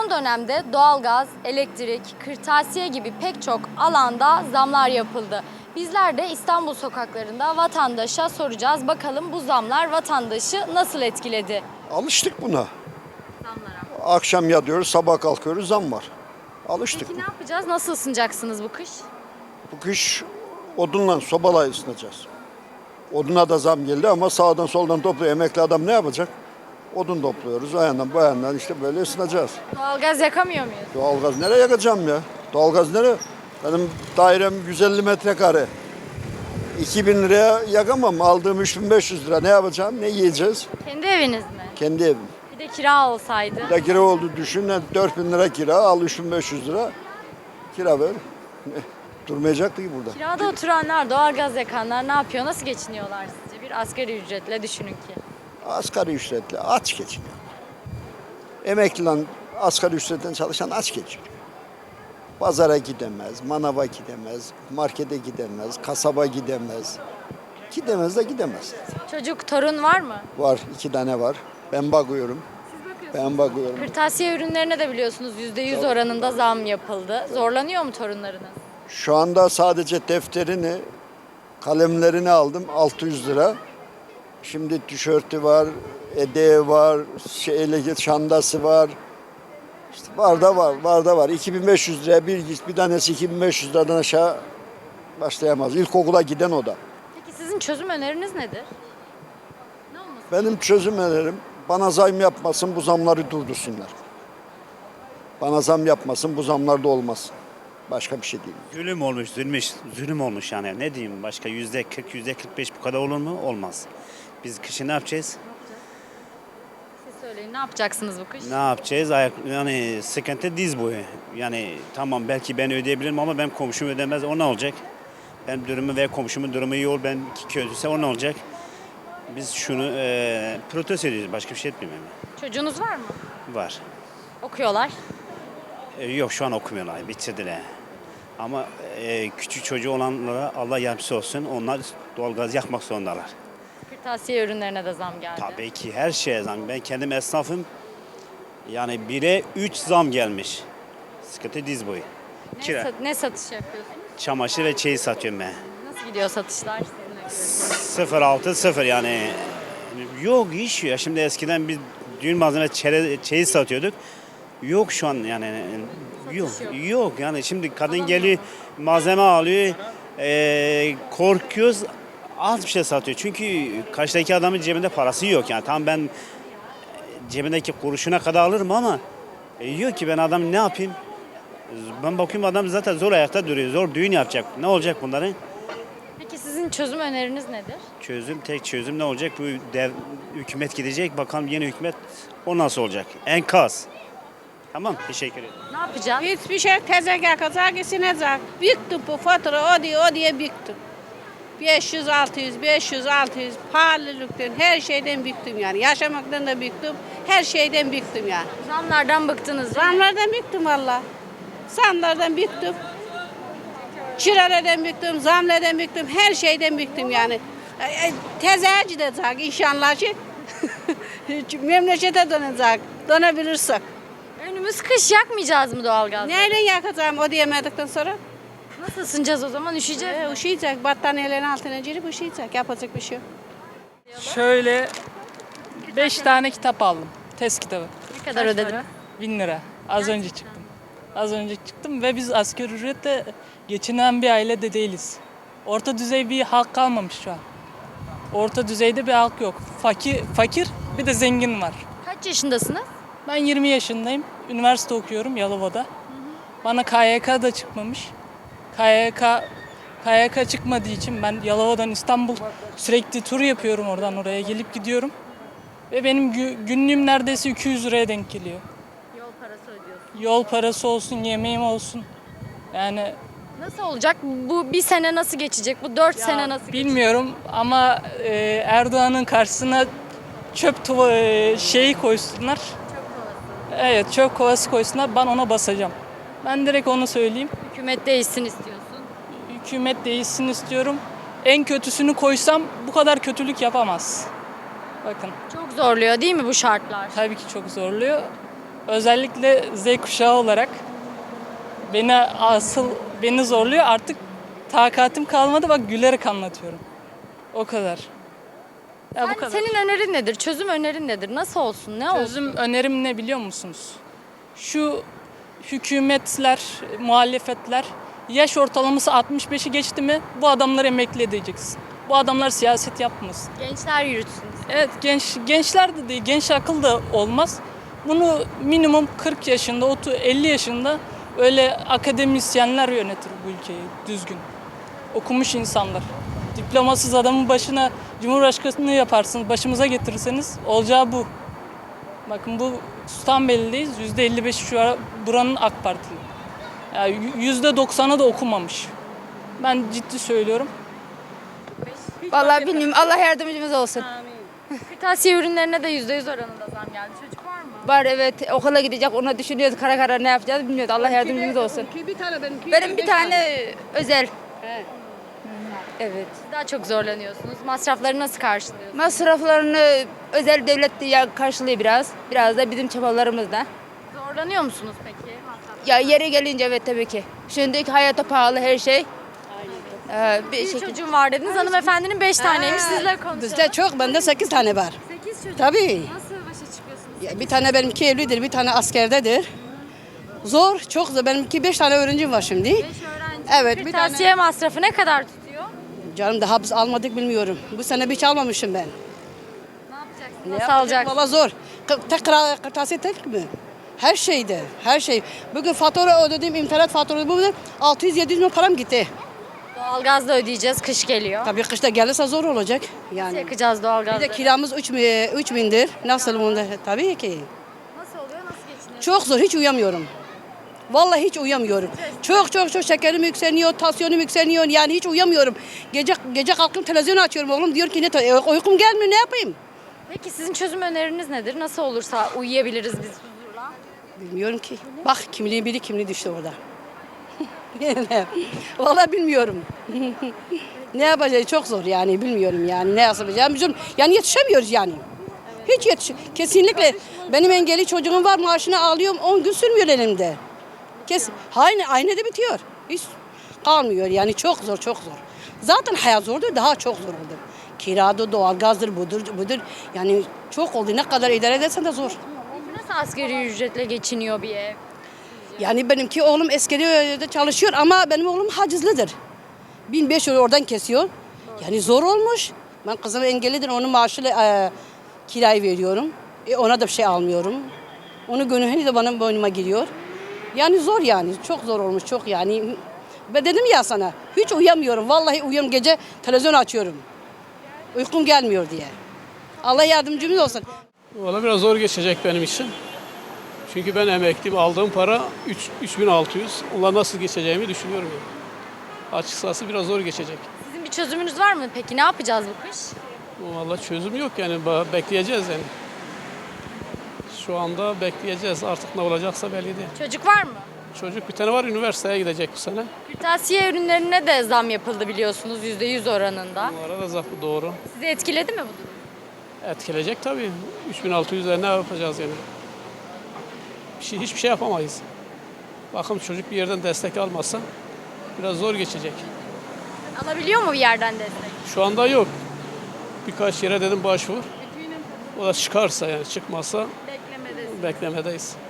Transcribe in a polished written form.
Son dönemde doğalgaz, elektrik, kırtasiye gibi pek çok alanda zamlar yapıldı. Bizler de İstanbul sokaklarında vatandaşa soracağız. Bakalım bu zamlar vatandaşı nasıl etkiledi? Alıştık buna. Zamlara. Akşam yatıyoruz, sabah kalkıyoruz, zam var. Alıştık. Peki ne yapacağız? Nasıl ısınacaksınız bu kış? Bu kış odunla, sobayla ısınacağız. Oduna da zam geldi ama sağdan soldan topluyor. Emekli adam ne yapacak? Odun topluyoruz. O yandan bu yandan işte böyle ısınacağız. Doğalgaz yakamıyor muyuz? Doğalgaz nereye yakacağım ya? Doğalgaz nereye? Benim dairem 150 metrekare. 2000 liraya yakamam. Aldığım 3500 lira. Ne yapacağım? Ne yiyeceğiz? Kendi eviniz mi? Kendi evim. Bir de kira olsaydı. Bir de kira oldu düşün. 4000 lira kira. Al 3500 lira. Kira ver. Durmayacaktı ki burada. Kirada oturanlar, doğalgaz yakanlar ne yapıyor? Nasıl geçiniyorlar sizce? Bir asgari ücretle düşünün ki. Asgari ücretle aç geçiniyor. Emekli lan asgari ücretten çalışan aç geçiniyor. Pazara gidemez, manava gidemez, markete gidemez, kasaba gidemez. Gidemez de gidemez. Çocuk, torun var mı? Var, 2 tane var. Ben bakıyorum. Ben bakıyorum. Kırtasiye ürünlerine de biliyorsunuz %100 oranında zam yapıldı. Zorlanıyor mu torunlarınız? Şu anda sadece defterini, kalemlerini aldım 600 lira. Şimdi tişörtü var, edeği var, çantası var. İşte var da var. 2500 liraya bir tanesi 2500 liradan aşağı başlayamaz. İlkokula giden o da. Peki sizin çözüm öneriniz nedir? Ne olması? Benim çözüm önerim bana zam yapmasın, bu zamları durdursunlar. Bana zam yapmasın, bu zamlar da olmasın. Başka bir şey değil. Zulüm olmuş, zulüm olmuş yani. Ne diyeyim başka %40, %45 bu kadar olur mu? Olmaz. Biz kışın ne yapacağız? Siz söyleyin, ne yapacaksınız bu kış? Ne yapacağız? Yani sıkıntı diz boyu. Yani tamam belki ben ödeyebilirim ama ben komşum ödemez. O ne olacak? Ben durumu ve komşumun durumu iyi ol. Ben kötüyse o ne olacak? Biz şunu protesto ediyoruz. Başka bir şey etmiyorum. Çocuğunuz var mı? Var. Okuyorlar. Yok şu an okumuyorlar. Bitirdiler. Ama küçük çocuğu olanlara Allah yardımcısı olsun. Onlar doğalgaz yakmak zorundalar. Kırtasiye ürünlerine de zam geldi. Tabii ki her şeye zam. Ben kendim esnafım. Yani 1'e 3 zam gelmiş. Sıkıntı diz boyu. Kira, Ne satış yapıyorsunuz? çamaşır ve çeyiz satıyorum ben. Nasıl gidiyor satışlar sizinle? 0,6 yani. Yok iş ya. Şimdi eskiden biz düğün malzeme çeyiz satıyorduk. Yok şu an yani. Yok. Yok yani şimdi kadın geliyor malzeme alıyor. Korkuyoruz. Az bir şey satıyor. Çünkü karşıdaki adamın cebinde parası yok yani. Tamam ben cebindeki kuruşuna kadar alırım ama yok ki ben adam ne yapayım? Ben bakıyorum adam zaten zor ayakta duruyor. Zor düğün yapacak. Ne olacak bunların? Peki sizin çözüm öneriniz nedir? Tek çözüm ne olacak? Bu hükümet gidecek. Bakalım yeni hükümet o nasıl olacak? Enkaz. Tamam teşekkür ederim. Ne yapacağız? Hiçbir şey tezek yakacak, isinecek. Büktüm bu fatura o diye büktüm. 500, 600, 500, 600 pahalılıktan her şeyden büktüm yani. Yaşamaktan da büktüm, her şeyden büktüm yani. Zamlardan bıktınız değil mi? Zamlardan büktüm valla. Zamlardan büktüm. Çıralardan büktüm, zamlardan büktüm, her şeyden büktüm yani. Tezeye gidecek inşallah ki. Memlekete dönecek, dönebilirsek. Önümüz kış, yakmayacağız mı doğalgazı? Neyle yakacağım o diyemedikten sonra? Nasıl ısınacağız o zaman? Üşüyeceğiz mi? Üşüyecek, battaniyelerin altına girip üşüyecek. Yapacak bir şey yok. Şöyle 5 tane kitap aldım. Test kitabı. Ne kadar ödediniz? 1000 lira. Az önce çıktım. Az önce çıktım ve biz asgari ücretle geçinen bir aile de değiliz. Orta düzey bir halk kalmamış şu an. Orta düzeyde bir halk yok. Fakir bir de zengin var. Kaç yaşındasınız? Ben 20 yaşındayım. Üniversite okuyorum Yalova'da. Bana KYK da çıkmamış. KYK çıkmadığı için ben Yalova'dan İstanbul sürekli tur yapıyorum, oradan oraya gelip gidiyorum. Ve benim günlüğüm neredeyse 200 liraya denk geliyor. Yol parası ödüyorsunuz. Yol parası olsun, yemeğim olsun. Yani Nasıl olacak? Bu bir sene nasıl geçecek? Bu 4 sene nasıl geçecek? bilmiyorum ama Erdoğan'ın karşısına şeyi koysunlar. Evet, çöp kovası koysunlar, ben ona basacağım. Ben direkt onu söyleyeyim. Hükümet değişsin istiyorsun. Hükümet değişsin istiyorum. En kötüsünü koysam bu kadar kötülük yapamaz. Bakın Çok zorluyor değil mi bu şartlar? tabii ki çok zorluyor. Özellikle Z kuşağı olarak beni zorluyor. Artık takatim kalmadı. Bak gülerek anlatıyorum. O kadar. Ya bu kadar. Senin önerin nedir? Çözüm önerin nedir? Nasıl olsun? Ne olsun? Çözüm önerim ne biliyor musunuz? Şu hükümetler, muhalefetler yaş ortalaması 65'i geçti mi bu adamları emekli edeceksin. Bu adamlar siyaset yapmasın. Gençler yürütsün. Evet gençler de değil, genç akıl da olmaz. Bunu minimum 40 yaşında, 50 yaşında öyle akademisyenler yönetir bu ülkeyi düzgün. Okumuş insanlar. Diplomasız adamın başına Cumhurbaşkanlığı yaparsınız, başımıza getirirseniz olacağı bu. Bakın bu Sultanbeyli'deyiz. %55 şu ara buranın AK Partili. Yani %90'ı da okumamış. Ben ciddi söylüyorum. Vallahi bilmiyorum. Allah yardımcımız olsun. Kırtasiye ürünlerine de %100 oranında zam geldi. Çocuk var mı? Var evet okula gidecek ona düşünüyoruz kara kara ne yapacağız bilmiyoruz. Allah yardımcımız olsun. Bir tane benimki. Benim bir tane özel. Evet. Siz daha çok zorlanıyorsunuz. Masrafları nasıl karşılıyorsunuz? Masraflarını özel devlet de karşılıyor biraz. Biraz da bizim çabalarımızla. Zorlanıyor musunuz peki? Masraf. Ya yeri gelince evet tabii ki. Şimdiki hayata pahalı her şey. Bir Bir şekilde. çocuğum var dediniz. Hanımefendinin 5 taneymiş. Sizle konuşalım. Bizde çok, bende 8 tane var. 8 çocuk. Tabii. Nasıl başa çıkıyorsunuz? Ya bir tane benimki evlidir, bir tane askerdedir. Zor, çok zor. Benimki 5 tane öğrencim var şimdi. 5 öğrenci. Evet, bir Kırtasiye masrafı ne kadar tutuyor? Canım daha biz almadık bilmiyorum. Bu sene hiç almamışım ben. Ne yapacaksınız? Ne Nasıl yapacak? alacaksınız? Valla zor. Tek kırtasiye tek mi? Her şeyde, her şey. Bugün fatura ödedim, internet faturası bugün 600-700 milyon param gitti. Doğalgaz da ödeyeceğiz. Kış geliyor. Tabii kışta gelirse zor olacak. Nasıl Yani. yakacağız Bir doğalgazı? de kiramız 3000'dir. Nasıl bunda? Tabii ki. Nasıl oluyor? Nasıl geçiniyorsunuz? Çok zor, hiç uyuyamıyorum. Vallahi hiç uyuyamıyorum. Çok şekerim yükseliyor, tansiyonum yükseliyor. Yani hiç uyuyamıyorum. Gece kalkıp televizyonu açıyorum. Oğlum diyor ki uykum gelmiyor, ne yapayım? Peki sizin çözüm öneriniz nedir? Nasıl olursa uyuyabiliriz biz huzurla? Bilmiyorum ki. Bak kimliğin biri kimliği düştü orada. Vallahi bilmiyorum. Ne yapacağız çok zor yani bilmiyorum yani ne yapacağız. Bizim yani yetişemiyoruz yani. Hiç kesinlikle benim engelli çocuğum var maaşını alıyorum 10 gün sürmüyor elimde. Aynı de bitiyor. Hiç kalmıyor yani çok zor. Zaten hayat zordur daha çok zor oldu. Kiradır, doğalgazdır, budur. Yani çok oldu. Ne kadar idare edersen de zor. Nasıl asgari ücretle geçiniyor bir ev? Yani benimki oğlum askeri çalışıyor ama benim oğlum hacizlidir. 1500 oradan kesiyor. Yani zor olmuş. Ben kızım engellidir. Onun maaşıyla kirayı veriyorum. Ona da bir şey almıyorum. Onun gönüllü de benim boynuma giriyor. Yani zor yani. Çok zor olmuş. Çok yani. Ben dedim ya sana. Hiç uyuyamıyorum. Vallahi uyuyorum. Gece televizyon açıyorum. Uykum gelmiyor diye. Allah yardımcımız olsun. Valla biraz zor geçecek benim için. Çünkü ben emekliyim. Aldığım para 3600. Onunla nasıl geçeceğimi düşünüyorum. Yani. Açıkçası biraz zor geçecek. Sizin bir çözümünüz var mı peki? Ne yapacağız bu kış? Valla çözüm yok yani. Bekleyeceğiz yani. Şu anda bekleyeceğiz. Artık ne olacaksa belli değil. Çocuk var mı? Çocuk bir tane var üniversiteye gidecek bu sene. Kırtasiye ürünlerine de zam yapıldı biliyorsunuz %100 oranında. Onlara da zaten doğru. Sizi etkiledi mi bu durum? Etkileyecek tabii. 3600'e ne yapacağız yani? Hiçbir şey yapamayız. Bakın çocuk bir yerden destek almazsa biraz zor geçecek. Alabiliyor mu bir yerden destek? Şu anda yok. Birkaç yere dedim başvur. O da çıkarsa yani çıkmazsa Beklemedeyiz. beklemedeyiz.